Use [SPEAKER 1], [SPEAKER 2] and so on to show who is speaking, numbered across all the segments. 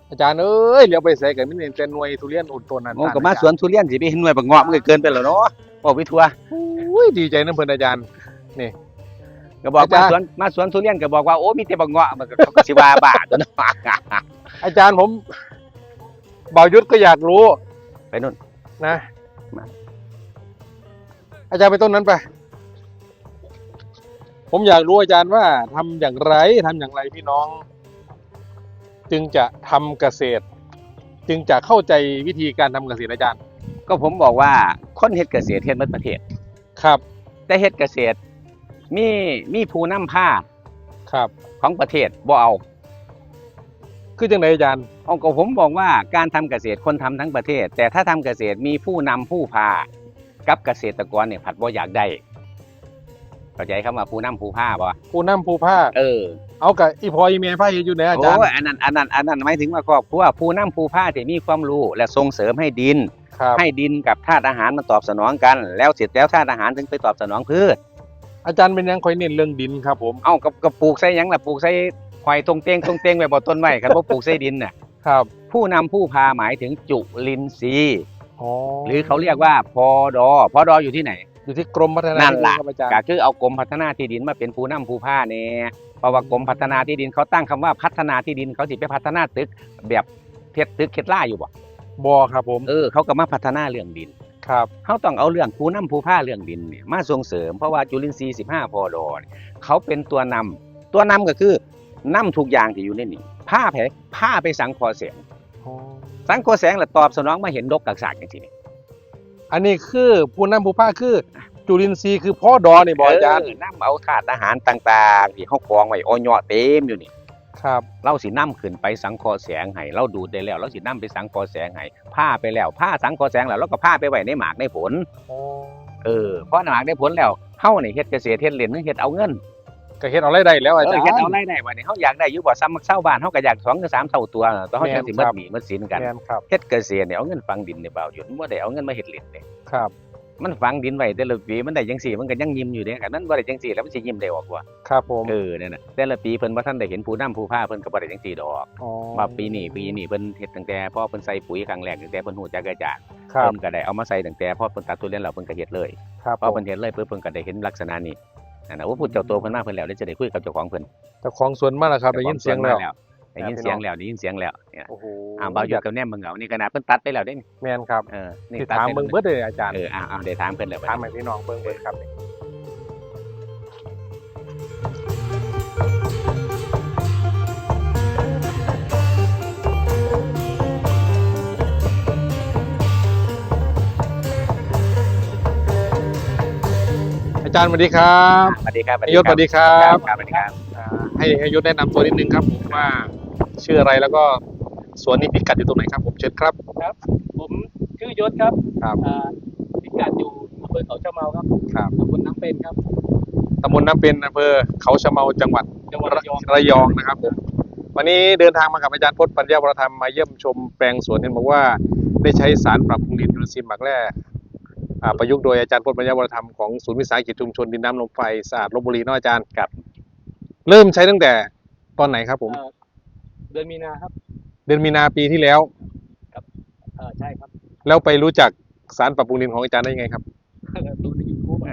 [SPEAKER 1] อาจารย์เอ้ยเลี้ยวไปใส่กันไม่เห็นแต่หน่วยทุเรียนอุดต้นนั้น
[SPEAKER 2] ผมก็มาสวนทุเรียนสิไปเห็นหน่วยบักเงาะมันก็เกินไปแล้วเนาะบอกไปทัว
[SPEAKER 1] อุ้ยดีใจนะเพื่อนอาจารย์นี่
[SPEAKER 2] ก็บอก
[SPEAKER 1] อาจารย์
[SPEAKER 2] มาสวนทุเรียนก็บอกว่าโอ้มีแต่บักเงาะมันก็เขาก็สิว่าบ้าตัวเนาะ
[SPEAKER 1] อาจารย์ผมบ่าวยุทธก็อยากรู้
[SPEAKER 2] ไปนู่น
[SPEAKER 1] นะ
[SPEAKER 2] มา
[SPEAKER 1] อาจารย์ไปต้นนั้นไป ผมอยากรู้อาจารย์ว่าทำอย่างไรพี่น้อง จึงจะทำเกษตร จึงจะเข้าใจวิธีการทำเกษตรอาจารย์
[SPEAKER 2] ก็ผมบอกว่าคนเฮ็ดเกษตรเฮ็ดหมดประเทศ
[SPEAKER 1] ครับ
[SPEAKER 2] แต่เฮ็ดเกษตรมีผู้นำผ้า
[SPEAKER 1] ครับ
[SPEAKER 2] ของประเทศบ่เอา
[SPEAKER 1] คือจังไหนอาจารย์
[SPEAKER 2] เอาก็ผมบอกว่าการทำเกษตรคนทำทั้งประเทศ แต่ถ้าทำเกษตรมีผู้นำผู้พากับเกษตรกรเนี่ยผัดบ่อยากได้เข้าใจคำว่าผู้นำผู้พาบ่
[SPEAKER 1] ผู้นำผู้ภาค เอากับอีพออีเมย์ผ้าอยู่ไหนอาจารย์
[SPEAKER 2] โอ้ยอันนั้นหมายถึงว่าครอบครัวผู้นำผู้พาที่มีความรู้และส่งเสริมให้ดิน
[SPEAKER 1] ครับ
[SPEAKER 2] ให้ดินกับธาตุอาหารมันตอบสนองกัน แล้วเสร็จแล้วธาตุอาหารถึงไปตอบสนองพืช
[SPEAKER 1] อาจารย์เป็นยังคอยเน้นเรื่องดินครับผม
[SPEAKER 2] เอ้ากับปลูกใส่หยังล่ะปลูกใส่หอยตรงเตงไว้บ่ต้นไม้คันบ่ปลูกใส่ดินน่ะ
[SPEAKER 1] ครับ
[SPEAKER 2] ผู้นำผู้พาหมายถึงจุลินทรีย์
[SPEAKER 1] อ๋อ
[SPEAKER 2] หรือเขาเรียกว่าพอดอยู่ที่ไหน
[SPEAKER 1] อยู่ที่กรมพัฒนา
[SPEAKER 2] นั่น
[SPEAKER 1] ที่ดิ
[SPEAKER 2] ล่ะ
[SPEAKER 1] ครับอาจารย์
[SPEAKER 2] ก็คือเอากรมพัฒนาที่ดินมาเป็นผู้นำผู้พาแน่เพราะว่ากรมพัฒนาที่ดินเขาตั้งคำว่าพัฒนาที่ดินเขาสิไปพัฒนาตึกแบบเพชรตึกเคล็ดล่าอยู่บ่
[SPEAKER 1] บอครับผม
[SPEAKER 2] เขาก็มาพัฒนาเรื่องดิน
[SPEAKER 1] ครับ
[SPEAKER 2] เขาต้องเอาเรื่องผู้นำผู้พาเรื่องดินเนี่ยมาส่งเสริมเพราะว่าจุลินทรีย์15พอดอเนี่ยเขาเป็นตัวนำก็คือนำทุกอย่างที่อยู่ในนี้ผ้าไปสังเคราะห์แสง
[SPEAKER 1] อ๋อ
[SPEAKER 2] สังเคราะห์แสงแล้วตอบสนองมาเห็นดกกักษากจังซี่นี่
[SPEAKER 1] อันนี้คือผู้นำผู้ภาคคือจุลินทรีย์คือพ่อดอนี่บออาจารย์
[SPEAKER 2] นำเอาธาตุอาหารต่างๆที่เฮากองไว้อ้อยเต็มอยู่นี่
[SPEAKER 1] ครับ
[SPEAKER 2] เราสินำขึ้นไปสังเคราะห์แสงให้เราดูดได้แล้วเราสินำไปสังเคราะห์แสงให้ผ้าไปแล้วผ้าสังเคราะห์แสงแล้วเราก็ผ้าไปไว้ในหมากในผล
[SPEAKER 1] อ๋อ
[SPEAKER 2] เพราะหมากในผลแล้วเฮานี่เฮ็ดเกษตรเฮ็ดเล่นเฮ็ดเอาเงิน
[SPEAKER 1] ก็เฮ็ดเอาไรได้แล้วอาจารย์
[SPEAKER 2] เฮ็ดเอารายได้บัดนี้เฮาอยากได้อยู่บ่ซ้ำมักเช้าบ้านเฮาก็อยาก2 หรือ 3เท่าตัวแต่เฮาจังสิหมดหนี้หมดสินกัน
[SPEAKER 1] แม่นครับ
[SPEAKER 2] เฮ็ดเกษตรเนี่ยเอาเงินฝังดินในบ่าวอยู่บ่ได้เอาเงินมาเฮ็ดเล่นเด้
[SPEAKER 1] ครับ
[SPEAKER 2] มันฝังดินไว้แต่ละปีมันได้จังซี่มันก็ยังยิ้มอยู่เด้กันนั้นบ่ได้จังซี่แล้วมันสิยิ้มได้ออกว่า
[SPEAKER 1] ครับผม
[SPEAKER 2] นั่นน่ะแต่ละปีเพิ่นบ่ทันได้เห็นผู้นำผู้พาเพิ่นก็บ่ได้จังซี่ดอก
[SPEAKER 1] อ๋อ
[SPEAKER 2] ว่าปีนี้เพิ่นเฮ็ดตั้งแต่พอเพิ่นใส่ปุ๋ยครั้งแรกตั้งแต่เพิ่นฮู้จักอาจารย์
[SPEAKER 1] ครับ
[SPEAKER 2] เพิ่นก็ได้เอามาใส่ตั้งแต่พอเพิ่นตัดทุเรียนแล้วเพิ่นก็เฮ็ดเลย
[SPEAKER 1] ครับ
[SPEAKER 2] พอเพิ่นเฮ็ดเลยเพิ่นก็ได้เห็นลักษณะนี้นั่นน่ะว่าพูดเจ้าตัวเพิ่นมาเพิ่นแล้วเดี๋ยวจะได้คุยกับเจ้าของเพิ่น
[SPEAKER 1] เจ้าของสวนมาแล้วครับได้ยินเสียงแล้ว
[SPEAKER 2] ได้ยินเสียงแล้วเนี่ย
[SPEAKER 1] โอ้โห
[SPEAKER 2] บ่าวอยู่กับแนมเบิ่งเอานี่ขนาดเพิ่นตัดไปแล้วเด้นี่
[SPEAKER 1] แม่นครับ
[SPEAKER 2] นี่
[SPEAKER 1] ที่
[SPEAKER 2] ตัด
[SPEAKER 1] ถาม
[SPEAKER 2] ไป
[SPEAKER 1] เบิ่งเบิดเลยอาจารย์
[SPEAKER 2] ได้ถามเพิ่นแล้ว
[SPEAKER 1] ถามให้พี่น้องเบิ่งเบิดครับอาจารย์สวัสดีครับ
[SPEAKER 2] สวัสดีครับ
[SPEAKER 1] นายยศสวัสดีครับ
[SPEAKER 2] สวัสดีครับ
[SPEAKER 1] ให้ยศแนะนำตัวนิดนึงครับผมว่าชื่ออะไรแล้วก็สวนนี้พิกัดอยู่ตรงไหนครับผมเชิญครับ
[SPEAKER 3] ครับผมชื่อยศครับ
[SPEAKER 1] ครับ
[SPEAKER 3] พิกัดอยู่อำเภอเขาชะเมาครับ
[SPEAKER 1] ครับ
[SPEAKER 3] ตำบลน้ำเป็นครับ
[SPEAKER 1] ตำบลน้ำเป็นอำเภอเขาชะเมาจังหวัด
[SPEAKER 3] จังหวัดระยอง
[SPEAKER 1] ระยองนะครับผมวันนี้เดินทางมากับอาจารย์พจน์ปัญญาวรธรรมมาเยี่ยมชมแปลงสวนเห็นบอกว่าได้ใช้สารปรับปรุงดินจุลินทรีย์หมักแร่ประยุกต์โดยอาจารย์พจน์ปัญญาวรธรรมของศูนย์วิสาหกิจชุมชนดินน้ำลมไฟสะอาดลพบุรีเนาะอาจารย์
[SPEAKER 2] ครับ
[SPEAKER 1] เริ่มใช้ตั้งแต่ตอนไหนครับผม
[SPEAKER 3] เดือนมีนาครับ
[SPEAKER 1] เดือนมีนาปีที่แล้ว
[SPEAKER 3] ใช่ครับ
[SPEAKER 1] แล้วไปรู้จักสารปรับปรุงดินของอาจารย์ได้ยังไงครับ
[SPEAKER 3] ดูในยูทูบ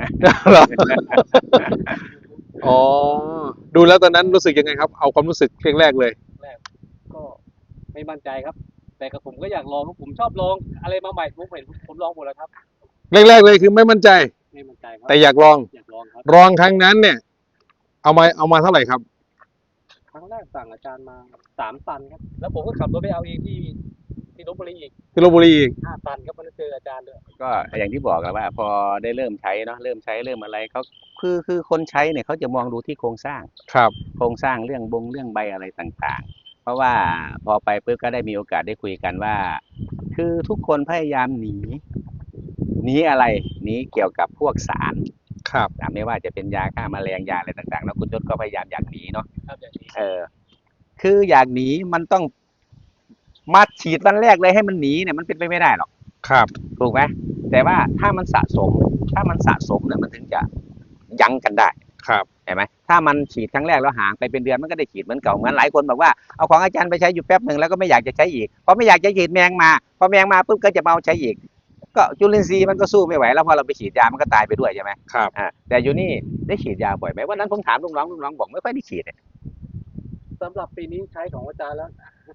[SPEAKER 1] อ๋อดูแล้วตอนนั้นรู้สึกยังไงครับเอาความรู้สึกแรกๆเลย
[SPEAKER 3] ก็ไม่มั่นใจครับ แต่กับผมก็อยากลองผมชอบลองอะไรมาใหม่ผมลองหมดแล้วครับ
[SPEAKER 1] แรกๆเลยคือไม่มั่นใจ
[SPEAKER 3] ไม่มั่นใจครับ
[SPEAKER 1] แต่อยากลอง
[SPEAKER 3] อยากลองครับ
[SPEAKER 1] ลองครั้งนั้นเนี่ย เอามาเท่าไหร่ครับ
[SPEAKER 3] ครั้งแรกสั่งอาจารย์มา3 ตันครับ แล้วผมก็ขับรถไปเอาเองที่ลพบุรีอีก
[SPEAKER 1] ที่ลพบุรีอีก
[SPEAKER 3] 5 ตันครับมันเจออาจารย์ด้วย
[SPEAKER 2] ก็อย่างที่บอกแล้วว่า พอได้เริ่มใช้เนาะเริ่มอะไรเขาคือคนใช้เนี่ยเขาจะมองดูที่โครงสร้าง
[SPEAKER 1] ครับ
[SPEAKER 2] โครงสร้างเรื่องใบอะไรต่างๆ เพราะว่าพอไปปุ๊บก็ได้มีโอกาสได้คุยกันว่า คือทุกคนพยายามหนีอะไรหนีเกี่ยวกับพวกสาร
[SPEAKER 1] ครับ
[SPEAKER 2] ไม่ว่าจะเป็นยาฆ่าแมลงยาอะไรต่างๆแล้วคุณยศก็พยายามอยากหนีเนาะ
[SPEAKER 3] ครับอย่างนี้
[SPEAKER 2] คืออยากหนีมันต้องมาฉีดวันแรกเลยให้มันหนีเนี่ยมันเป็นไปไม่ได้หรอก
[SPEAKER 1] ครับ
[SPEAKER 2] ถูกไหมแต่ว่าถ้ามันสะสมเนี่ยมันถึงจะยั้งกันได้
[SPEAKER 1] ครับ
[SPEAKER 2] เห็นไหมถ้ามันฉีดครั้งแรกแล้วห่างไปเป็นเดือนมันก็ได้ฉีดเหมือนเก่าเหมือนหลายคนบอกว่าเอาของอาจารย์ไปใช้อยู่แป๊บหนึ่งแล้วก็ไม่อยากจะใช้อีกพอไม่อยากจะฉีดแมงมาพอแมงมาปุ๊บก็จะมาเอาใช้อีกก็จุลินทรีย์มันก็สู้ไม่ไหวแล้วพอเราไปฉีดยามันก็ตายไปด้วยใช่ไหม
[SPEAKER 1] ครับ
[SPEAKER 2] แต่อยู่นี่ได้ฉีดยาบ่อยไหมวันนั้นผมถามลูกน้องบอกไม่ค่อยได้ฉีดเนี่ย
[SPEAKER 3] สำหรับปีนี้ใช้ของอาจารย์แล้ว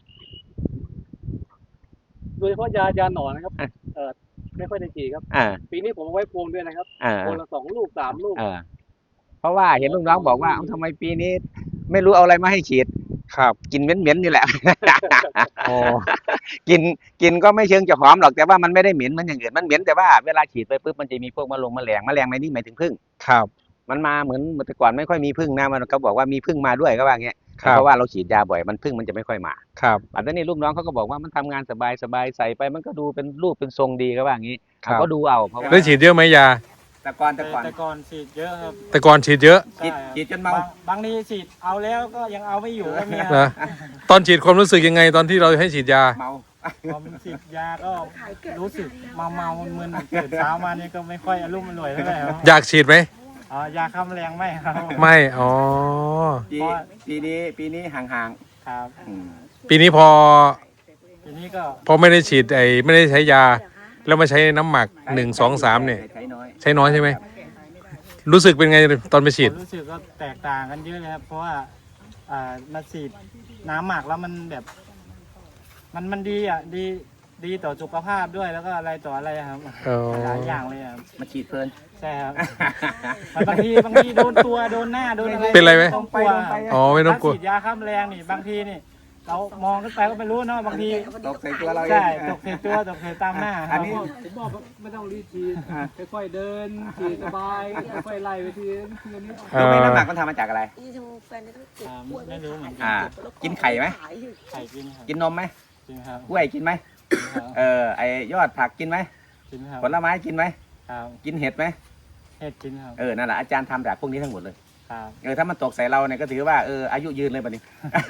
[SPEAKER 3] โดยเฉพาะยาหนอนนะครับ ไม่ค่อยได้ฉีดครับ
[SPEAKER 2] อ่า
[SPEAKER 3] ปีนี้ผมเอาไว้พวงด้วยนะครับ
[SPEAKER 2] อ่า
[SPEAKER 3] พวงละ2 ลูก 3 ลูก
[SPEAKER 2] เพราะว่าเห็นลูกน้องบอกว่าเอ้าทำไมปีนี้ ไม่รู้เอาอะไรมาให้ฉีด
[SPEAKER 1] ครับ
[SPEAKER 2] กินเหม็นๆนี่แหละ
[SPEAKER 1] อ๋อ
[SPEAKER 2] กินก็ไม่เชิงจะหอมหรอกแต่ว่ามันไม่ได้เหม็นเหมันอย่างอื่นมันเหม็นแต่ว่าเวลาฉีดไปปุ๊บมันจะมีพวกแมลงในนี้หมายถึงผึ้ง
[SPEAKER 1] ครับ
[SPEAKER 2] มันมาเหมือนแต่ก่อนไม่ค่อยมีผึ้งนะมันเขาบอกว่ามีผึ้งมาด้วยก็ว่าอย่างเงี้ย
[SPEAKER 1] ครับ
[SPEAKER 2] เพราะว่าเราฉีดยาบ่อยมันผึ้งมันจะไม่ค่อยมา
[SPEAKER 1] ครับ
[SPEAKER 2] อันนี้ลูกน้องเขาก็บอกว่ามันทำงานสบายใส่ไปมันก็ดูเป็นรูปเป็นทรงดีก็ว่าอย่างนี้
[SPEAKER 1] ครับ
[SPEAKER 2] ก็ดูเอาเพราะว่า
[SPEAKER 1] ได้ฉีดเยอะไหมยา
[SPEAKER 2] แต่ก่อน
[SPEAKER 4] แต่ก่อนฉีดเยอะครับ
[SPEAKER 1] แต่ก่อนฉีดเยอะ
[SPEAKER 2] ฉีดจนเมา
[SPEAKER 4] บางทีฉีดเอาแล้วก็ยังเอาไม่อยู่ก็มี
[SPEAKER 1] นะตอนฉีดความรู้สึกยังไงตอนที่เราให้ฉีดยา
[SPEAKER 2] เมา
[SPEAKER 4] พอมันฉีดยาก็รู้สึกเมามึนๆตื่นเช้ามานี่ก็ไม่ค่อยอารมณ์อร่วยเท่าไหร่ครับ
[SPEAKER 1] อยากฉีดไหม
[SPEAKER 4] อ๋อยาฆ่าแมลงไม่ครับ
[SPEAKER 1] ไม่ อ๋อ
[SPEAKER 2] ปีนี้ห่าง
[SPEAKER 4] ครับ
[SPEAKER 1] ปีนี้พอ
[SPEAKER 4] ทีนี้ก็
[SPEAKER 1] ไม่ได้ฉีดไม่ได้ใช้ยา แล้วมาใช้น้ำหมัก1 2 3เนี่ย
[SPEAKER 2] ใช้น้อย
[SPEAKER 1] ใช้น้อยใช่ไหม รู้สึกเป็นไงตอนไปฉีด
[SPEAKER 4] ผมรู้สึกก็แตกต่างกันเยอะเลยครับเพราะว่ามาฉีดน้ำหมักแล้วมันแบบมันดีอ่ะดีต่อสุขภาพด้วยแล้วก็อะไรต่ออะไรครับ
[SPEAKER 1] อ๋อ
[SPEAKER 4] หลายอย่างเลยครับ
[SPEAKER 2] มาฉีดเพลิน
[SPEAKER 4] ใช่ครับมันบางทีโดนตัวโดนหน้าโดนอะไร
[SPEAKER 1] เป็นไรไหม
[SPEAKER 4] ต้องกลัว
[SPEAKER 1] อ๋อไม่ต้องกลัว
[SPEAKER 4] ถ้าฉีดยาฆ่าแมลงนี่บางทีนี่ เรามองขึ้นไปก็ไม่รู้เนาะบางที
[SPEAKER 2] ตกใส่ตัวเราเอง
[SPEAKER 4] ใช่ตกใส่ตัวตกใส่ตามหน้า
[SPEAKER 2] อันนี้
[SPEAKER 3] ผมบอกว่าไม่ต้องรีบฉีดค่อยๆเดินฉีดสบายค่อยๆไล่ไปทีละนิด
[SPEAKER 2] รู้ไหมน้ำหมักมันทำมาจากอะไร
[SPEAKER 4] ไม่รู้เหมือนกัน
[SPEAKER 2] กินไข่ไหม
[SPEAKER 4] ไข่กินครับ
[SPEAKER 2] กินนมไหม
[SPEAKER 4] กินครับ
[SPEAKER 2] กล้วยกินไหม
[SPEAKER 4] กินครับ
[SPEAKER 2] ไอยอดผักกินไหม
[SPEAKER 4] กินครับ
[SPEAKER 2] ผลไม้กินไหม
[SPEAKER 4] ครับ
[SPEAKER 2] กินเห็ดไหม
[SPEAKER 4] เห็ดกินครับ
[SPEAKER 2] นั่นแหละอาจารย์ทำจากพวกนี้ทั้งหมดเลย
[SPEAKER 4] ครับ
[SPEAKER 2] ถ้ามันตกใส่เราเนี่ยก็ถือว่าอายุยืนเลยบัดนี้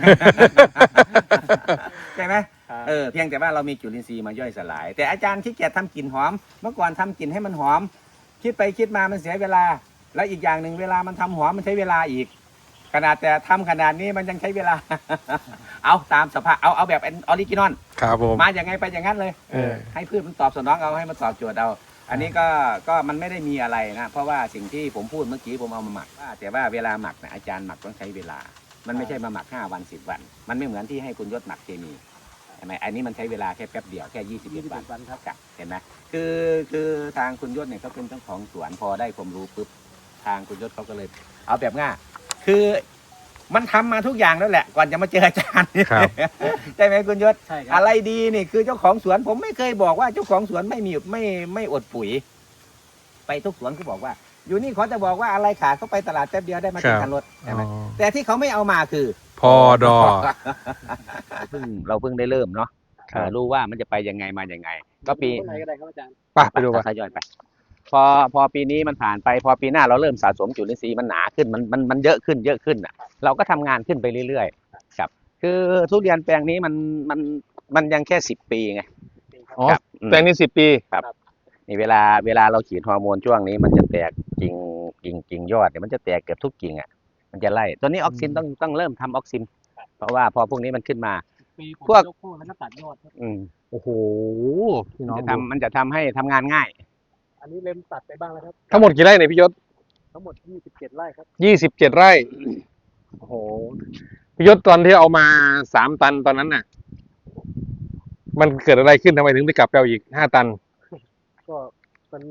[SPEAKER 2] ใช่ไหม
[SPEAKER 4] ครับ
[SPEAKER 2] เพียงแต่ว่าเรามีจุลินทรีย์มาย่อยสลาย แต่อาจารย์ขี้เกียจทำกลิ่นหอม เมื่อก่อนทำกลิ่นให้มันหอม คิดไปคิดมามันเสียเวลา แล้วอีกอย่างหนึ่งเวลามันทำหอมมันใช้เวลาอีก ขนาดแต่ทำขนาดนี้มันยังใช้เวลา เอาตามสภาพเอาแบบออริจินอล
[SPEAKER 1] ครับผม
[SPEAKER 2] มาอย่างไงไปอย่างนั้นเลย ให้พืชมันตอบสนองเอาให้มันตอบโจทย์เอา อันนี้ก็มันไม่ได้มีอะไรนะ เพราะว่าสิ่งที่ผมพูดเมื่อกี้ผมเอามาหมักแต่ว่าเวลาหมักนะอาจารย์หมักต้องใช้เวลา มันไม่ใช่มาหมัก5 วัน10 วัน มันไม่เหมือนที่ให้คุณยศหมักเคมีใช่ไหมอันนี้มันใช้เวลาแค่แป๊บเดียวแค่21 วันครับเห็นไหมคือทางคุณยศเนี่ยเขาเป็นเจ้าของสวนพอได้ความรู้ปุ๊บทางคุณยศเขาก็เลย เอาแบบง่ายคือมันทำมาทุกอย่างแล้วแหละ ก่อนจะมาเจออาจารย์
[SPEAKER 1] ครับ
[SPEAKER 2] ใช่ไหมคุณยศ
[SPEAKER 3] ใช่ครั
[SPEAKER 2] อะไรดีนี่คือเจ้าของสวนผมไม่เคยบอกว่าเจ้าของสวนไม่อดปุ๋ย ไปทุกสวนเขาบอกว่า อยู่นี่เขาจะบอกว่าอะไรขาดเขาไปตลาดแป๊บเดียวได้มา10 คันรถใช่ไหมแต่ที่เขาไม่เอามาคือ
[SPEAKER 1] พอดอ
[SPEAKER 2] เราเพิ่งได้เริ่มเนาะ
[SPEAKER 1] ครับ
[SPEAKER 2] รู้ว่ามันจะไปยังไงมายังไง ก็ปี
[SPEAKER 3] ต้นไหนก็ได้ครับอาจารย์
[SPEAKER 1] ไปดูป่ะ
[SPEAKER 2] ทยอยไป พอปีนี้มันผ่านไป พอปีหน้าเราเริ่มสะสมจุลินทรีย์มันหนาขึ้นมันเยอะขึ้นอ่ะ เราก็ทำงานขึ้นไปเรื่อยๆครับ คือทุเรียนแปลงนี้มันยังแค่10 ปีไง
[SPEAKER 1] อ๋อ
[SPEAKER 2] ครับ
[SPEAKER 1] แปลงนี้10 ปี
[SPEAKER 2] นี่เวลาเราฉีดฮอร์โมนช่วงนี้มันจะแตกกิ่งยอดเนี่ยมันจะแตกเกือบทุกกิ่งอ่ะมันจะไล่ตัวนี้ออกซินต้องเริ่มทำออกซิน เพราะว่าพอพวกนี้มันขึ้นมา
[SPEAKER 3] ปีผม
[SPEAKER 2] พวก
[SPEAKER 3] ยกโค่นแล้วก็ตัดยอดครับ
[SPEAKER 1] โอ้โหพี่น้อง
[SPEAKER 2] มันจะทำให้ทำงานง่าย
[SPEAKER 3] อันนี้เล็มตัดไปบ้างแล้วครับ
[SPEAKER 1] ทั้งหมดกี่ไร่เนี่ยพี่ยศ
[SPEAKER 3] ทั้งหมด27 ไร่ครับ
[SPEAKER 1] 27 ไร่ โอ้โห พี่ยศตอนที่เอามา3 ตันตอนนั้นน่ะ มันเกิดอะไรขึ้นทำไมถึงไปกลับไปเอาอีก5 ตัน
[SPEAKER 3] ก็มัน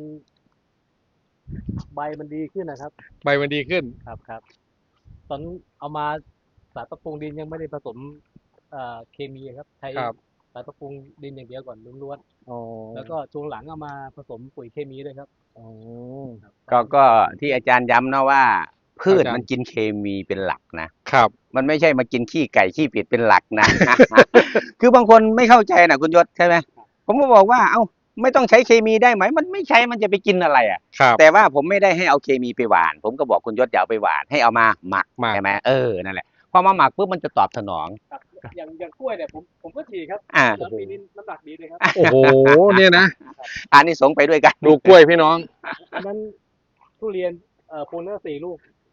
[SPEAKER 3] ใบมันดีขึ้นนะครับ
[SPEAKER 1] ใบมันดีขึ้น
[SPEAKER 3] ครับตอนเอามาสารปรับปรุงดินยังไม่ได้ผสมเคมีครับใช้
[SPEAKER 1] ครับ
[SPEAKER 3] สารปรับปรุงดินอย่างเดียวก่อนล้วน
[SPEAKER 1] อ๋อ
[SPEAKER 3] ๆแล้วก็ช่วงหลังเอามาผสมปุ๋ยเคมีด้วยครับ
[SPEAKER 1] อ๋อ
[SPEAKER 2] ก็ที่อาจารย์ย้ำนะว่า พืช
[SPEAKER 1] อาจารย์
[SPEAKER 2] มันกินเคมีเป็นหลักนะครับ มันไม่ใช่มากินขี้ไก่ขี้เป็ดเป็นหลักนะ คือบางคนไม่เข้าใจนะคุณยศใช่ไหมผมก็บอกว่าเอ้าไม่ต้องใช้เคมีได้ไหมมันไม่ใช้มันจะไปกินอะไรอ่ะ
[SPEAKER 1] ครับ
[SPEAKER 2] แต่ว่าผมไม่ได้ให้เอาเคมีไปหว่าน ผมก็บอกคุณยศอย่าเอาไปหว่านให้เอามาหมัก
[SPEAKER 1] หมัก
[SPEAKER 2] ใช่ไหมนั่นแหละพอมาหมักปุ๊บมันจะตอบสนอง
[SPEAKER 3] ครับอย่างกล้วยเนี่ยผมก็ฉีดครับ
[SPEAKER 2] อ่า
[SPEAKER 3] แล้วปีนี้น้ำหนักดีเลยครับ
[SPEAKER 1] โอ้โห เนี่ยนะ
[SPEAKER 2] อันนี้สงส์ไปด้วยกัน
[SPEAKER 1] ดูกล้วยพี่น้อง
[SPEAKER 3] อันนั้นทุเรียนโพลเนอร์4 ลูก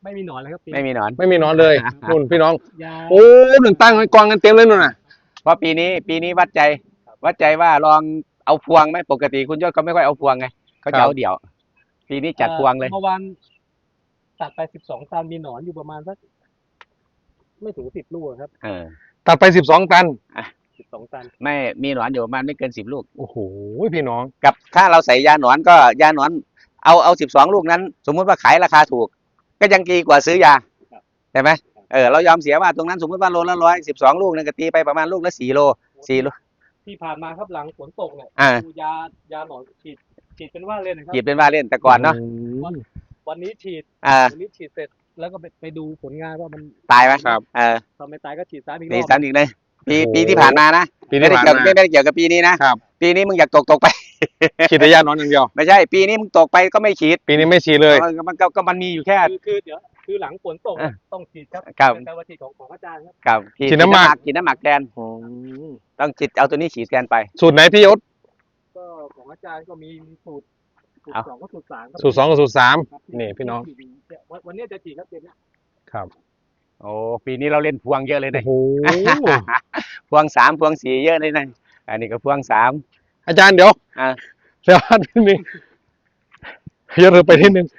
[SPEAKER 3] ไม่มีหนอนเลยครับปี
[SPEAKER 2] ไม่มีหนอน
[SPEAKER 1] ไม่มีหนอนเลยนู่นพี่น้อง
[SPEAKER 3] ยา
[SPEAKER 1] โอ้หนึ่งตั้งไว้กองกันเต็มเลยนู่นน่ะ
[SPEAKER 2] เพราะปีนี้วัดใจว่าลองเอาพวงไหมปกติคุณยศเขาไม่ค่อยเอาพวงไงเขาจะเอาเดี่ยว ปีนี้จัดพวงเลย
[SPEAKER 3] เมื่อวานตัดไป12 ตันมีหนอนอยู่ประมาณสักไม่ถึง10 ลูกครับ
[SPEAKER 1] ตัดไป12 ตัน
[SPEAKER 3] 12 ตัน
[SPEAKER 2] ไม่มีหนอนอยู่ประมาณไม่เกิน10 ลูก
[SPEAKER 1] โอ้โหพี่น้อง
[SPEAKER 2] กับถ้าเราใส่ยาหนอนก็ยาหนอนเอา12 ลูกนั้น สมมุติว่าขายราคาถูก ก็ยังดีกว่าซื้อยาใช่ไหมเรายอมเสียว่าตรงนั้นสมมติว่าโลละ112 ลูกนึงก็ตีไปประมาณลูกละ4 โล
[SPEAKER 3] ที่ผ่านมาครับหลังฝนตกเนี่ย
[SPEAKER 2] อ่า
[SPEAKER 3] ดูยาหนอนฉีดเป็นว่าเล่นนะครับ
[SPEAKER 2] หยิบเป็นว่าเล่นแต่ก่อนเนาะ
[SPEAKER 3] วันนี้ฉีด วันนี้ฉีดเสร็จแล้วก็ไปดูผลงานว่ามัน
[SPEAKER 2] ตายไหม
[SPEAKER 1] ครับ
[SPEAKER 3] ทำไม่ตายก็ฉีดซ้ำอีกร
[SPEAKER 2] ตี
[SPEAKER 3] อบ
[SPEAKER 2] ซ้ำอีกเลยปี
[SPEAKER 1] โอ้โห
[SPEAKER 2] ปีที่ผ่านมานะ
[SPEAKER 1] ปีที่ผ่านมา
[SPEAKER 2] ไม่ได้เกี่ยวกับปีนี้นะครับ ปีนี้มึงอยากตกไป
[SPEAKER 1] ฉีดแต่ยาหนอนอย่างเดียว
[SPEAKER 2] ไม่ใช่ปีนี้มึงตกไปก็ไม่ฉีด
[SPEAKER 1] ปีนี้ไม่ฉีดเลย
[SPEAKER 2] มันมีอยู่แค่
[SPEAKER 3] คือเดี๋ยวคือหลังฝนตก
[SPEAKER 2] อ่ะ
[SPEAKER 3] ต้องฉีดครับ
[SPEAKER 2] ครับ
[SPEAKER 3] เป็นการฉีดของอาจารย์ครับ
[SPEAKER 2] กับ
[SPEAKER 1] ฉีดน้ำหมัก
[SPEAKER 2] ฉีดน้ำหมักแทนต้องฉีดเอาตัวนี้ฉีดแทนไป
[SPEAKER 1] สูตรไหนพี่ยศ
[SPEAKER 3] ก็ของอาจารย์ก็มีสูตร
[SPEAKER 2] เอา
[SPEAKER 3] 2กับสูตร 3ครับ
[SPEAKER 1] สูตร 2กับสูตร
[SPEAKER 3] ครับ
[SPEAKER 1] 3นี่พี่น้อง
[SPEAKER 3] วันนี้จะฉีดครับเดือนนี้
[SPEAKER 1] ครับ
[SPEAKER 2] โอ้ปีนี้เราเล่นพวงเยอะเลย
[SPEAKER 1] โอ้
[SPEAKER 2] นะ
[SPEAKER 1] โห
[SPEAKER 2] พวง3พวง4เยอะเลยนะอันนี้ก็พวง3
[SPEAKER 1] อาจารย์เดี๋ยว
[SPEAKER 2] อ่ะ
[SPEAKER 1] เดี๋ยวนิดนึงยศไปนิดนึง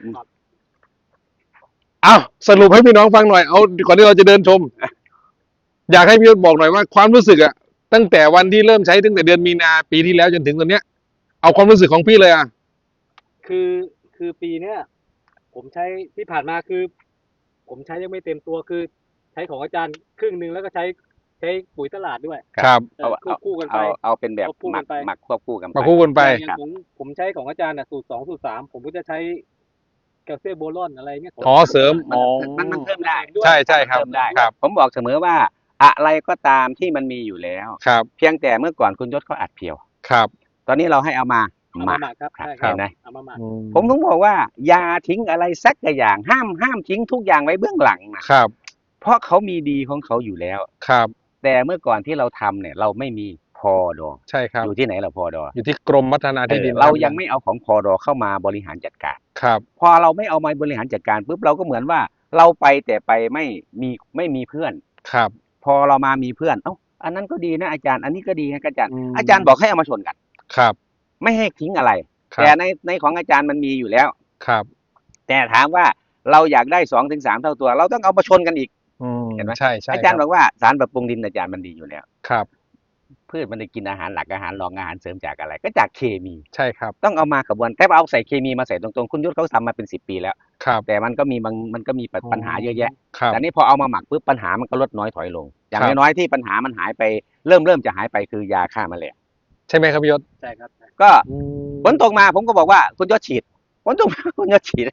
[SPEAKER 1] เอาสรุปให้พี่น้องฟังหน่อยเอาก่อนที่เราจะเดินชม อยากให้พี่ยศบอกหน่อยว่าความรู้สึกอะตั้งแต่วันที่เริ่มใช้ตั้งแต่เดือนมีนาปีที่แล้วจนถึงตอนเนี้ยเอาความรู้สึกของพี่เลยอะ
[SPEAKER 3] คือปีเนี้ยผมใช้ที่ผ่านมาคือ ผมใช้ยังไม่เต็มตัวคือ ใช้ของอาจารย์ครึ่งหนึ่งแล้วก็ใช้ปุ๋ยตลาดด้วย
[SPEAKER 1] ครับ
[SPEAKER 3] ควบคู่กันไป
[SPEAKER 2] เอาเป็นแบบ
[SPEAKER 3] ควบคู่
[SPEAKER 2] หมั
[SPEAKER 3] กั
[SPEAKER 2] ก
[SPEAKER 3] นไป
[SPEAKER 2] หมักควบคู่กันไป
[SPEAKER 1] มาคู่กันไป
[SPEAKER 3] อย่างผมใช้ของอาจารย์น่ะสูตร 2 สูตร 3ผมก็จะใช้แคลเซียมโบรอนอะไรเงี้ย
[SPEAKER 1] อ๋อเสริมอ๋อ
[SPEAKER 2] มันเพิ่มได้
[SPEAKER 1] ใช่ใช่ครับ
[SPEAKER 2] เพิ่มได้
[SPEAKER 1] ครับ
[SPEAKER 2] ผมบอกเสมอว่าอะไรก็ตามที่มันมีอยู่แล้ว
[SPEAKER 1] ครับ
[SPEAKER 2] เพียงแต่เมื่อก่อนคุณยศเขาอัดเพียว
[SPEAKER 1] ครับ
[SPEAKER 2] ตอนนี้เราให้เอามา
[SPEAKER 3] เอา
[SPEAKER 2] หมั
[SPEAKER 3] มาก หมักครับ
[SPEAKER 2] ครับ
[SPEAKER 3] ใช่ค
[SPEAKER 2] เห็
[SPEAKER 3] รับ
[SPEAKER 2] นไหม
[SPEAKER 3] เอามาหมัก
[SPEAKER 2] ผมต้องบอกว่าอย่าทิ้งอะไรสักอย่างห้ามทิ้งทุกอย่างไว้เบื้องหลังนะครับ เพราะเขามีดีของเขาอยู่แล้ว
[SPEAKER 1] ครับ
[SPEAKER 2] แต่เมื่อก่อนที่เราทำเนี่ยเราไม่มีพอดอ
[SPEAKER 1] ใช่ครับ
[SPEAKER 2] อยู่ที่ไหนเราพอดอ
[SPEAKER 1] อยู่ที่กรมพัฒนาที่ดิน
[SPEAKER 2] เรายังไม่เอาของพอดอเข้ามาบริหารจัดการ
[SPEAKER 1] ครับ
[SPEAKER 2] พอเราไม่เอามาบริหารจัดการปุ๊บเราก็เหมือนว่าเราไปแต่ไปไม่มีเพื่อน
[SPEAKER 1] ครับ
[SPEAKER 2] พอเรามามีเพื่อนอันนั้นก็ดีนะอาจารย์อันนี้ก็ดีนะอาจารย์
[SPEAKER 1] อืม
[SPEAKER 2] อาจารย์บอกให้เอามาชนกัน
[SPEAKER 1] ครับ
[SPEAKER 2] ไม่ให้ทิ้งอะไร
[SPEAKER 1] ครับ
[SPEAKER 2] แต่ในของอาจารย์มันมีอยู่แล้ว
[SPEAKER 1] ครับ
[SPEAKER 2] แต่ถามว่าเราอยากได้2-3 เท่าตัว เราต้องเอามาชนกันอีก เห็นไหม
[SPEAKER 1] ใช่ใช่
[SPEAKER 2] อาจารย์
[SPEAKER 1] ค
[SPEAKER 2] บอกว่าสารปรับปรุงดินอาจารย์มันดีอยู่แล้ว
[SPEAKER 1] ครับ
[SPEAKER 2] พืชมันได้กินอาหารหลักอาหารรองอาหารเสริมจากอะไร ก็จากเคมี
[SPEAKER 1] ใช่ครับ
[SPEAKER 2] ต้องเอามากระบวนแต่ว่าเอาใส่เคมีมาใส่ตรงๆคุณยุทธเขาทำมาเป็น10 ปีแล้ว
[SPEAKER 1] ครับ
[SPEAKER 2] แต่มันก็มีปัญหาเยอะแยะ
[SPEAKER 1] ครับ
[SPEAKER 2] แต่นี่พอเอามาหมักปุ๊บปัญหามันก็ลดน้อยถอยลง อย่าง
[SPEAKER 1] ครับ
[SPEAKER 2] น้อยๆที่ปัญหามันหายไปเริ่มจะหายไปคือยาฆ่าแมลง
[SPEAKER 1] ใช่ไหมครับพี่ยศ
[SPEAKER 3] ใช่ครับ
[SPEAKER 2] ก็ฝนตกมาผมก็บอกว่าคุณยศฉีดฝนตกมาคุณยศฉีด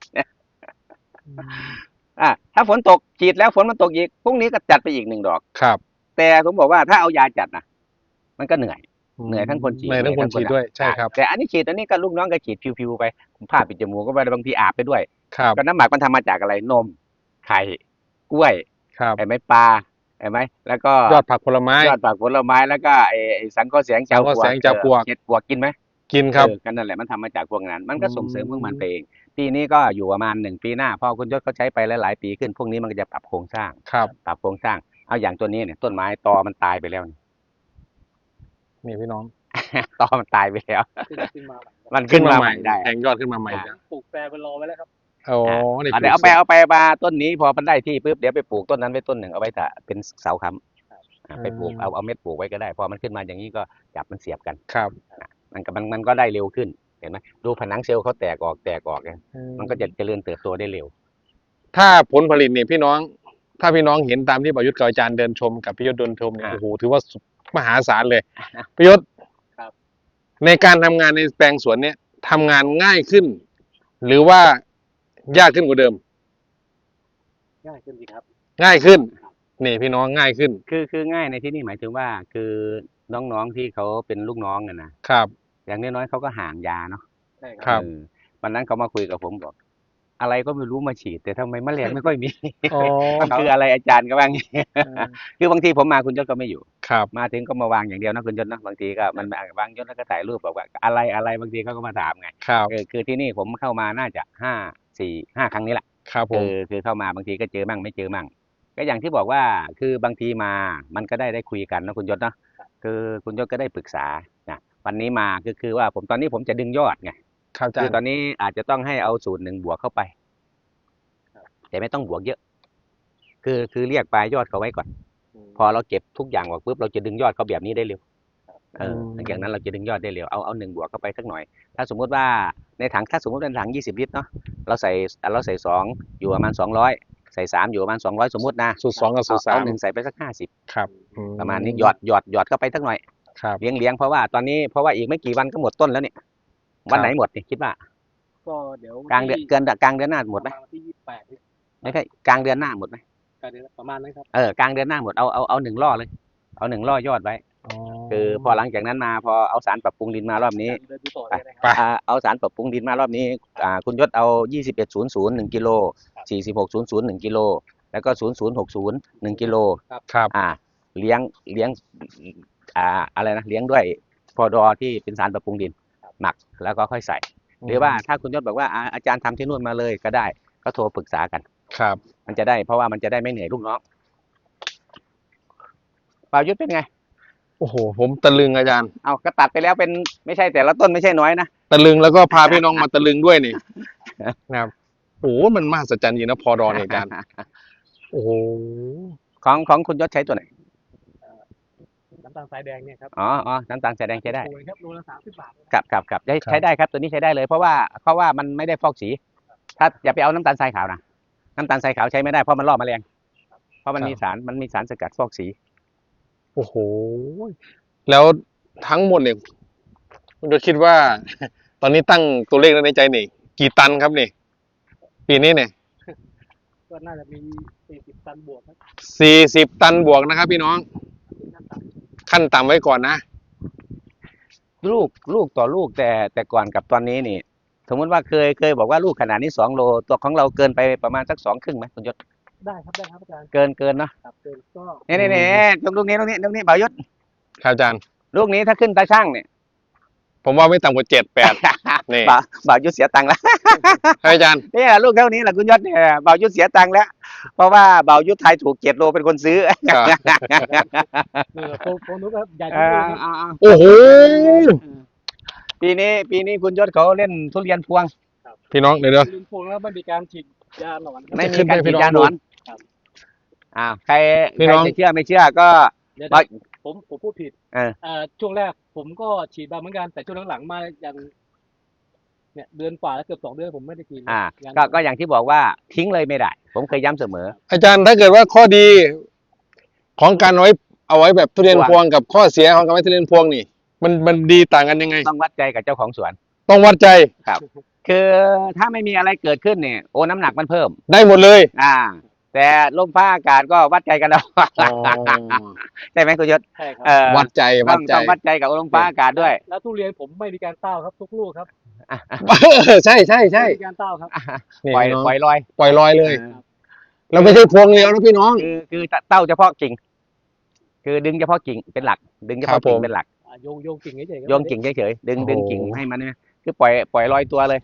[SPEAKER 2] ถ้าฝนตกฉีดแล้วฝนมันตกอีกพรุ่งนี้ก็จัดไปอีก1 ดอก
[SPEAKER 1] ครับ
[SPEAKER 2] แต่ผมบอกว่าถ้าเอายาจัดนะมันก็เหนื่อย เหนื่อยทั้งคนฉีด
[SPEAKER 1] เหนื่อยทั้งคนฉีดด้วยใช่ครับ
[SPEAKER 2] แต่อันนี้ฉีดอันนี้ก็ลูกน้องก็ฉีดพิวๆไปผ้าปิดจมูกก็ไปบางทีอาบไปด้วย
[SPEAKER 1] ครับ
[SPEAKER 2] ก็น้ำหมักมันทำมาจากอะไรนมไข่กล้วย
[SPEAKER 1] ครับ
[SPEAKER 2] ไอ้ไม้ปลาไอ้ไม้แล้วก็
[SPEAKER 1] ยอดผักผลไม้
[SPEAKER 2] ยอดผักผลไม้แล้วก็ไอ้สังเคราะห์แสง
[SPEAKER 1] สังเคราะห์แสงจากปลวก
[SPEAKER 2] เห็ดปลวกกินไหม
[SPEAKER 1] กินครับ
[SPEAKER 2] กันนั่นแหละมันทำมาจากพวกนั้น มันก็
[SPEAKER 1] อืม
[SPEAKER 2] ส่งเสริมพวกมันไปเองปีนี้ก็อยู่ประมาณ1 ปีหน้าพอคุณยศเขาใช้ไปหลายๆปีขึ้นพวกนี้มันก็จะปรับโครงสร้าง
[SPEAKER 1] ครับ
[SPEAKER 2] ปรับโครงสร้างเอาอย่างตัวนี้เนี่ยต้นไม้ตอมันตายไปแล้วนี่
[SPEAKER 1] นี่พี่น้อง
[SPEAKER 2] ตอมันตายไปแล้ว
[SPEAKER 3] ขึ้นมาใหม่
[SPEAKER 2] มันขึ้นมาใหม่ได้
[SPEAKER 1] แทงยอดขึ้นมาใหม่แล้ว
[SPEAKER 3] ปลูกแปรไปรอไว้แล้วครับ
[SPEAKER 1] โอ้นี่
[SPEAKER 2] เดี๋ยวเอาไปมาต้นนี้พอมันได้ที่ปุ๊บเดี๋ยวไปปลูกต้นนั้นไว้ต้นหนึ่งเอาไว้แต่เป็นเสาค้ำไปปลูกเอาเม็ดปลูกไว้ก็ได้พอมันขึ้นมาอย่างนี้ก็จับมันเสียบกัน
[SPEAKER 1] ครับ
[SPEAKER 2] มันก็ได้เร็วขึ้นเห็นไหมดูผนังเซลล์เขาแตกออกไงมันก็จะเจริญเติบโตได้เร็ว
[SPEAKER 1] ถ้าผลผลิตเนี่ยพี่น้อง ถ้าพี่น้องเห็นตามที่ประยุทธ์กับอาจารย์เดินชมกับพี่ยศเดินชมเนี่ย
[SPEAKER 2] อ่า
[SPEAKER 1] โอ้โหถือว่าสุดมหาศาลเลยพี่ยศ
[SPEAKER 3] ครับ
[SPEAKER 1] ในการทำงานในแปลงสวนเนี่ยทำงานง่ายขึ้น หรือว่ายากขึ้นกว่าเดิม
[SPEAKER 3] ง่ายขึ้นดีครับ
[SPEAKER 1] ง่ายขึ้นนี่พี่น้องง่ายขึ้น
[SPEAKER 2] คือง่ายในที่นี่หมายถึงว่าคือน้องๆที่เขาเป็นลูกน้องกันนะครับ อย่างน้อยๆเขาก็ห่างยาเนาะ
[SPEAKER 3] ใช่
[SPEAKER 1] ครับ
[SPEAKER 2] วันนั้นเขามาคุยกับผมบอก อะไรก็ไม่รู้มาฉีด แต่ทำไมแมลงไม่ค่อยมี
[SPEAKER 1] อ๋อ
[SPEAKER 2] มันคืออะไรอาจารย์ก็ว่างี้ คือบางทีผมมาคุณยศก็ไม่อยู่
[SPEAKER 1] ครับ
[SPEAKER 2] มาถึงก็มาวางอย่างเดียวนะคุณยศนะบางทีก็มันวางยศแล้วก็ถ่ายรูปบอกว่าอะไรบางทีเขาก็มาถามไง
[SPEAKER 1] ครับ
[SPEAKER 2] คือที่นี่ผมเข้ามาน่าจะ5 ครั้งนี้แหละ
[SPEAKER 1] ครับผม
[SPEAKER 2] คือเข้ามาบางทีก็เจอมั่งไม่เจอมั่งก็อย่างที่บอกว่าคือบางทีมามันก็ได้คุยกันนะคุณยศเนาะคือคุณยศก็ได้ปรึกษานะวันนี้มาคือว่าตอนนี้ผมจะดึงยอดไง
[SPEAKER 1] ครับอาจา
[SPEAKER 2] คื
[SPEAKER 1] ร
[SPEAKER 2] อ
[SPEAKER 1] ย์
[SPEAKER 2] ตอนนี้อาจจะต้องให้เอาสูตร1 บวกเข้าไปแต่ไม่ต้องบวกเยอะ คือเรียกปลายยอดเขาไว้ก่อน พอเราเก็บทุกอย่างออกปุ๊บเราจะดึงยอดเขาแบบนี้ได้เร็วหลังจากนั้นเราจะดึงยอดได้เร็วเอา1 บวกเข้าไปสักหน่อย ถ้าสมมุติว่าในถังถ้าสมมติเป็นถัง20 ลิตรเนาะเราใส่2อยู่ประมาณ200ใส่3อยู่ประมาณ200สมมตินะ
[SPEAKER 1] สูตร2กับสูตร
[SPEAKER 2] เอา
[SPEAKER 1] 3
[SPEAKER 2] 1ใส่ไปสัก50
[SPEAKER 1] ครับ
[SPEAKER 2] ประมาณนี้หยอดเข้าไปสักหน่อย
[SPEAKER 1] ครับ
[SPEAKER 2] เลี้ยงเพราะว่าตอนนี้เพราะว่าอีกไม่กี่วันก็หมดต้นแล้วเนี่ยวันไหนหมดเนี่ยคิดว่า
[SPEAKER 3] ก็เดี๋ยว
[SPEAKER 2] กลางเดือนกลางเดือนหน้าหมดไหม
[SPEAKER 3] ประาณวันที่28นี่
[SPEAKER 2] ไม่ใช่กลางเดือนหน้าหมดไหม
[SPEAKER 3] กลางเดือนประมาณนั้นครับ
[SPEAKER 2] กลางเดือนหน้าหมดเอา1 ล่อเลยเอา1 ล่อยอดไว้ คือพอหลังจากนั้นมาพอเอาสารปรับปรุงดินมารอบนี้
[SPEAKER 3] เดินดูต่อเลยนะค
[SPEAKER 1] ไป
[SPEAKER 3] รับ
[SPEAKER 2] เอาสารปรับปรุงดินมารอบนี้คุณยศเอา2100 1 กิโล4600 1 กิโลแล้วก็0060 1 กิโล
[SPEAKER 1] ครับ
[SPEAKER 2] เลี้ยงอะไรนะเลี้ยงด้วยพอดอที่เป็นสารปรับปรุงดินหมักแล้วก็ค่อยใส่ หรือว่าถ้าคุณยศบอกว่าอาจารย์ทำที่นู่นมาเลยก็ได้ก็โทรปรึกษากัน
[SPEAKER 1] ครับ
[SPEAKER 2] มันจะได้เพราะว่ามันจะได้ไม่เหนื่อยลูกน้องป่าวยุทธเป็นไง
[SPEAKER 1] โอ้โห ผมตะลึงอาจารย์
[SPEAKER 2] เอาก็ตัดไปแล้วเป็นไม่ใช่แต่ละต้นไม่ใช่น้อยนะ
[SPEAKER 1] ตะลึงแล้วก็พาพี่น้องมาตะลึงด้วยนี่ นะครับโอ้โหมันมหัศจรรย์จริงนะพอดอเนี่ยอาจารย์ โอ้โห
[SPEAKER 2] ของคุณยศใช้ตัวไหน
[SPEAKER 3] น้ำตาลทรายแดงเนี่ยครับ
[SPEAKER 2] อ๋อน้ำตาลแสดงใช้ได้
[SPEAKER 3] โอ้ยครับโลละ30 บาท
[SPEAKER 2] ครับใช้ได้ครับตัวนี้ใช้ได้เลยเพราะว่ามันไม่ได้ฟอกสี ถ้าอย่าไปเอาน้ำตาลทรายขาวนะน้ำตาลทรายขาวใช้ไม่ได้เพราะมันล่อแมลงเพราะมันมีสารสกัดฟอกสี
[SPEAKER 1] โอ้โห แล้วทั้งหมดเนี่ยคุณจะคิดว่า ตอนนี้ตั้งตัวเลขในใจนี่กี่ตันครับนี่ ปีนี้เนี่ย
[SPEAKER 3] ก็น่าจะมี40 ตันบวกครับ
[SPEAKER 1] 40 ตันบวกนะครับ พี่น้อง ขั้นต่ำไว้ก่อนนะ
[SPEAKER 2] ลูกต่อลูกแต่ก่อนกับตอนนี้นี่ สมมติว่าเคยบอกว่าลูกขนาดนี้2 โลตัวของเราเกินไปประมาณสัก2 ครึ่งไหมคุณยศ
[SPEAKER 3] ได้ครับอาจารย์
[SPEAKER 2] เกินเนาะ
[SPEAKER 3] ครับเกินก็
[SPEAKER 2] นี่ลูกนี้บ่าวยศ
[SPEAKER 1] ครับอาจารย์
[SPEAKER 2] ลูกนี้ถ้าขึ้นตาช่างเนี่ย
[SPEAKER 1] ผมว่าไม่ต่ำกว่า7-8 นี่
[SPEAKER 2] บ่าวยุทธเสียตังค์แล้ว
[SPEAKER 1] ให้อาจารย์
[SPEAKER 2] เนี่ยลูกเท่านี้แหละคุณยศเนี่ยบ่าวยุทธเสียตังค์แล้ว เพราะว่าบ่าวยุทธไทยถูก7 โลเป็นคนซื้อ
[SPEAKER 3] โคนุครับใหญ่
[SPEAKER 2] เอ
[SPEAKER 3] ที่
[SPEAKER 2] อ
[SPEAKER 3] สุดครับ
[SPEAKER 1] โอ้โห
[SPEAKER 2] ปีนี้คุณยศเขาเล่นทุเรียนพวง
[SPEAKER 1] พี่น้องเดี๋ยว
[SPEAKER 3] ลืมพวงแล้วไม่มีการฉีดยาหนอนครับ
[SPEAKER 2] ไม่มีการฉีดยาหนอน
[SPEAKER 3] ครับ
[SPEAKER 2] ใคร
[SPEAKER 1] พี่น้อง
[SPEAKER 2] จะเชื่อไม่เชื่อก็
[SPEAKER 3] เดี๋ยว
[SPEAKER 2] บ่าว
[SPEAKER 3] ผมพูดผิด ช่วงแรกผมก็ฉีดมาเหมือนกันแต่ช่วงหลังๆมาอย่างเนี่ยเดือนกว่าแล้วเกือบ2 เดือนผมไม่ได้ฉีด ยัง
[SPEAKER 2] ก็อย่างที่บอกว่าทิ้งเลยไม่ได้ ผมเคยย้ำเสมอ
[SPEAKER 1] อาจารย์ถ้าเกิดว่าข้อดีของการเอาไว้แบบทุเรียนพวงกับข้อเสียของการไว้ทุเรียนพวงนี่ มันดีต่างกันยังไง
[SPEAKER 2] ต้องวัดใจกับเจ้าของสวน
[SPEAKER 1] ต้องวัดใจ
[SPEAKER 2] คือถ้าไม่มีอะไรเกิดขึ้นเนี่ยน้ำหนักมันเพิ่ม
[SPEAKER 1] ได้หมดเลย
[SPEAKER 2] แต่ลมฟ้าอากาศก็วัดใจกันเอา ใช่ไหมคุณยศ
[SPEAKER 3] ใช่ครับ
[SPEAKER 1] วัดใจ
[SPEAKER 2] ต้องวัดใจกับลมฟ้าอากาศด้วย
[SPEAKER 3] แล้วทุเรียนผมไม่มีการเต้าครับทุกลูกครับ
[SPEAKER 1] ใช่ใช่ใช่
[SPEAKER 3] ไม่มีการเต้าครับ
[SPEAKER 1] นี่
[SPEAKER 2] ปล่อย
[SPEAKER 1] พี่น้อง
[SPEAKER 2] ปล่อยลอย
[SPEAKER 1] ปล่อยลอยเลย เราไม่ใช่พวงเดียวนะพี่น้อง
[SPEAKER 2] คือเต้าเฉพาะกิ่ง คือดึงเฉพาะกิ่งเป็นหลัก ดึงเฉ
[SPEAKER 1] ครั
[SPEAKER 2] พาะ
[SPEAKER 1] บผม
[SPEAKER 2] กิ่งเป็นหลัก
[SPEAKER 3] โยงกิ่งเฉยๆครับ
[SPEAKER 2] โยงกิ่งเฉยๆดึง
[SPEAKER 1] โอ้โห
[SPEAKER 2] ดึงกิ่งให้มันเนี่ยคือปล่อยลอยตัวเลย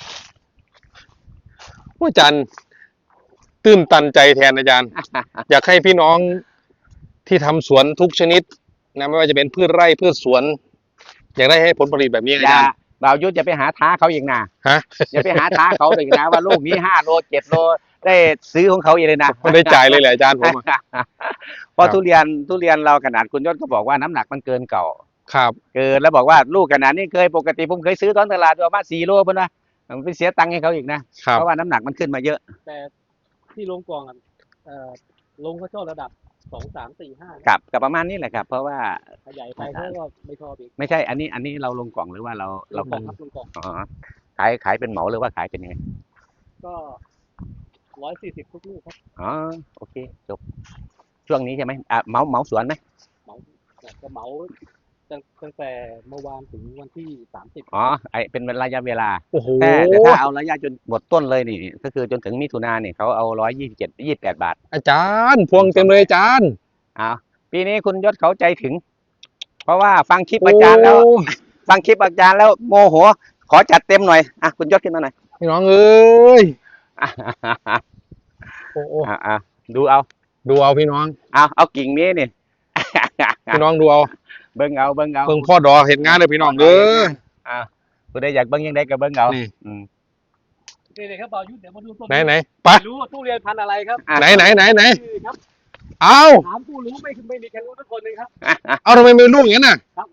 [SPEAKER 1] อาจารย์ตื้นตันใจแทนอาจารย์ อยากให้พี่น้องที่ทำสวนทุกชนิดนะไม่ว่าจะเป็นพืชไร่พืชสวน อยากได้ให้ผลผลิตแบบนี้อา
[SPEAKER 2] อย่า
[SPEAKER 1] จารย์
[SPEAKER 2] บ่าวยุทธจะไปหาท้าเขาอีกนะ
[SPEAKER 1] ฮะ
[SPEAKER 2] อย่าไปหาท้าเขาอีกนะว่าลูกนี้5 โล 7 โลได้ซื้อของเขาอีกเลยนะ
[SPEAKER 1] ไม่ได้จ่ายเลยแหละอาจารย์ผมอะ
[SPEAKER 2] เพราะทุเรียนเราขนาดคุณยศก็บอกว่าน้ำหนักมันเกินเก่า
[SPEAKER 1] ครับ
[SPEAKER 2] เกินแล้วบอกว่าลูกขนาดนี้ปกติผมเคยซื้อตอนตลาดประมาณ4 โลเพิ่นว่ามันไปเสียตังค์ให้เขาอีกนะครับ เพราะว่าน้ำหนักมันขึ้นมาเยอะ
[SPEAKER 3] แต่ที่ลงกล่องอะลงก็ชอบระดับ2 3 4 5
[SPEAKER 2] กับประมาณนี้แหละครับ เพราะว่า
[SPEAKER 3] ขยายไปเขาก็ไม่ชอบอีก
[SPEAKER 2] ไม่ใช่อันนี้เราลงกล่องหรือว่าเรา
[SPEAKER 3] ลงกล่องครับลงกล่อง
[SPEAKER 2] อ๋อขายเป็นเหมาหรือว่าขายเป็นยังไง
[SPEAKER 3] ก็140ทุกลูกครับ
[SPEAKER 2] อ๋อโอเคจบช่วงนี้ใช่ไหมเหมาสวนไหม
[SPEAKER 3] จะเหมาตั้งแต่เมื่อวานถึงวันที่30
[SPEAKER 2] อ๋อเป็นระยะเวลา
[SPEAKER 1] โอ้โห
[SPEAKER 2] แต่ถ้าเอาระยะจนหมดต้นเลยนี่ก็คือจนถึงมิถุนายนเนี่ยเขาเอา128 บาท
[SPEAKER 1] อาจารย์พวงเต็มเลยอาจารย์
[SPEAKER 2] ปีนี้คุณยศเขาใจถึง เพราะว่าฟังคลิปอาจารย์แล้ว
[SPEAKER 1] โอ้
[SPEAKER 2] ฟังคลิปอาจารย์แล้วโมโห ขอจัดเต็มหน่อยคุณยศขึ้นมาหน่อย
[SPEAKER 1] พี่น้องเอ้ยโอ้โห
[SPEAKER 2] ดูเอา
[SPEAKER 1] ดูเอาพี่น้อง
[SPEAKER 2] เอากิ่งนี้นี่
[SPEAKER 1] พี่น้องดูเอา
[SPEAKER 2] เบิ้งเอา
[SPEAKER 1] เพิ่งพ่อดอเห็นงานเลยพี่น้องเด้อ
[SPEAKER 2] ผู้ใดอยากเบิ้งยังได้ก็เบิ้งเอา
[SPEAKER 1] นี่
[SPEAKER 3] นี่เลยครับบ่าวยุทธเดี๋ยวมาดูต้น
[SPEAKER 1] ไหนไป
[SPEAKER 3] รู้ว่าทุเรียนพันธุ์อะไรครับ
[SPEAKER 1] ไหน
[SPEAKER 3] นี่ครับ
[SPEAKER 1] เอา
[SPEAKER 3] ถามผู้รู้ไม่มีใครรู้ทุกคนเลยครับ
[SPEAKER 1] เอาทำไมมีลูกอย่างนั้นน่ะ
[SPEAKER 3] ครับ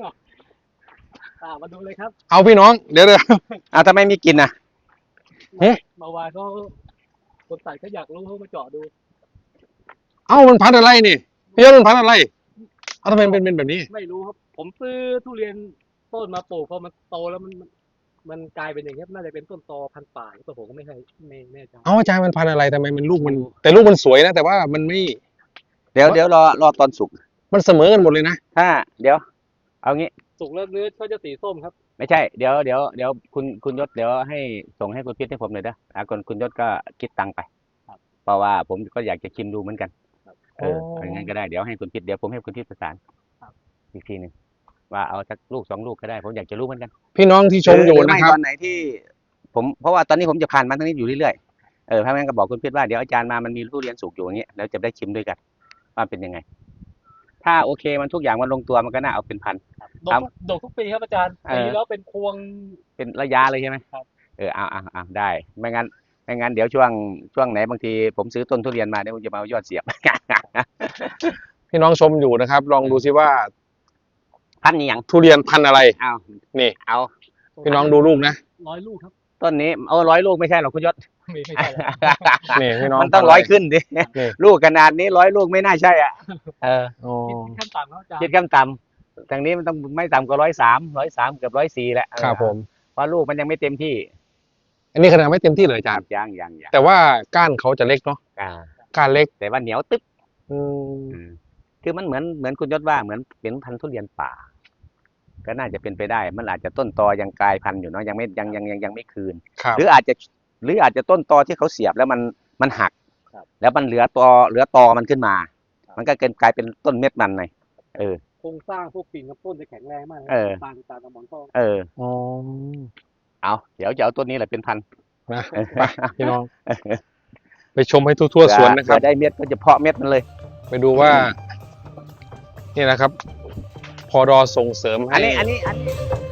[SPEAKER 3] มาดูเลยครับ
[SPEAKER 1] เอาพี่น้องเดี๋ยว
[SPEAKER 2] ทำไมมีกลิ่นอ่ะ
[SPEAKER 1] เฮ้ย
[SPEAKER 3] เมื่อวานเขาคนใส่เขาอยากรู้เขามาเจาะดู
[SPEAKER 1] เอามันพันธุ์อะไรนี่พี่ยศมันพันธุ์อะไรเอาทำไมเป็นแบบนี้
[SPEAKER 3] ไม่รู้ครับ ผมซื้อทุเรียนต้นมาปลูกพอมันโตแล้วมันกลายเป็นอย่างนี้ยน่าจะเป็นต้นตอพันธุ์ป่าแต่ผมก็ไม่แน่ใจ
[SPEAKER 1] เอาอาจารย์มันพันธุ์อะไรทำไมมันลูกมัน แต่ลูกมันสวยนะแต่ว่ามันไม่
[SPEAKER 2] เดี๋ยวรอตอนสุก
[SPEAKER 1] มันเสมอกันหมดเลยนะ
[SPEAKER 2] เดี๋ยว เอางี้
[SPEAKER 3] สุกแล้วเนื้อเขาจะสีส้มครับ
[SPEAKER 2] ไม่ใช่ เดี๋ยวคุณยศเดี๋ยวให้ส่งให้คุณพิษให้ผมหน่อยเด้อคุณยศก็คิดตังค์ไป
[SPEAKER 3] ครับ
[SPEAKER 2] เพราะว่าผมก็อยากจะชิมดูเหมือนกัน
[SPEAKER 3] ครับ
[SPEAKER 2] อย่างนั้นก็ได้ เดี๋ยวให้คุณพิษเดี๋ยวผมให้คุณพิษประสาน
[SPEAKER 3] ครับ
[SPEAKER 2] อีกทีหนึ่งว่าเอาสักลูก2 ลูกก็ได้ ผมอยากจะรู้เหมือนกัน
[SPEAKER 1] พี่น้องที่ชมอยู่นะครับ
[SPEAKER 2] ตอนไหนที่เพราะว่าตอนนี้ผมจะผ่านมาทางนี้อยู่เรื่อยๆถ้างั้นก็บอกคุณพิษว่าเดี๋ยวอาจารย์มามันมีทุเรียนสุกอยู่อย่างเงี้ยแล้วจะได้ชิมด้วยกันว่าเป็นยังไง ถ้าโอเคมันทุกอย่างมันลงตัวมันก็น่าเอาเป็นพัน
[SPEAKER 3] ดกทุกปีครับอาจารย์ ปีแล้วเป็นพวง
[SPEAKER 2] เป็นระยะเลยใช่ไหม
[SPEAKER 3] ครับ
[SPEAKER 2] เอาได้ไม่งั้นเดี๋ยวช่วงไหนบางทีผมซื้อต้นทุเรียนมาเดี๋ยวผมจะมาเอายอดเสียบ
[SPEAKER 1] พี่น้องชมอยู่นะครับ ลองดูซิว่า
[SPEAKER 2] พันธุ์นี้ยัง
[SPEAKER 1] ทุเรียนพันธุ์อะไร
[SPEAKER 2] เอา
[SPEAKER 1] นี่
[SPEAKER 2] เอา
[SPEAKER 1] พี่น้องดูลูกนะ
[SPEAKER 3] 100 ลูกครับ
[SPEAKER 2] ต้นนี้เอา100 ลูกไม่ใช่หรอกคุณยศ
[SPEAKER 3] ไม่ใช่แล้ว
[SPEAKER 1] นี่พี่น้อง
[SPEAKER 2] มันต้อง
[SPEAKER 1] พัธุ์ะไร
[SPEAKER 2] 100 ขึ้นดิ
[SPEAKER 1] นี่
[SPEAKER 2] ลูกขนาดนี้100 ลูกไม่น่าใช่อ่ะ
[SPEAKER 1] อ๋อ
[SPEAKER 3] คิดขั้นต่ำครับอาจารย์
[SPEAKER 2] คิดขั้นต่ำทางนี้มันต้องไม่ต่ำกว่า103เกือบ104แหละ
[SPEAKER 1] ครับผม
[SPEAKER 2] เพราะลูกมันยังไม่เต็มที่
[SPEAKER 1] อันนี้ขนาดไม่เต็มที่เลยอาจารย์
[SPEAKER 2] ยัง
[SPEAKER 1] แต่ว่าก้านเขาจะเล็กเนาะ ก้านเล็ก
[SPEAKER 2] แต่ว่าเหนียวตึ๊บ
[SPEAKER 1] อืม
[SPEAKER 2] คือมันเหมือนคุณยศว่าเหมือนเป็นพันธุ์ทุเรียนป่า ก็น่าจะเป็นไปได้ มันอาจจะต้นตอยังกลายพันธุ์อยู่เนาะยังไม่คืน
[SPEAKER 1] ครับ
[SPEAKER 2] หรืออาจจะต้นตอที่เขาเสียบแล้วมันหัก
[SPEAKER 3] ครับ
[SPEAKER 2] แล้วมันเหลือตอมันขึ้นมา มันก็กลายเป็นต้นเม็ดมันไง
[SPEAKER 3] โครงสร้างพวกกิ่งกับต้นจะแข็งแรงมาก
[SPEAKER 2] เออ
[SPEAKER 3] ต่างกับหมอนทอง
[SPEAKER 1] อ๋อ
[SPEAKER 2] เอาเดี๋ยวจะเอาต้นนี้แหละเป็นพันธุ์
[SPEAKER 1] นะไปพี่น้อง ไปชมให้ทั่วๆสวนนะครับ
[SPEAKER 2] เผื่อได้เม็ดก็จะเพาะเม็ดมันเลย
[SPEAKER 1] ไปดูว่า นี่นะครับ พอดอส่งเสริมให้
[SPEAKER 2] อันนี้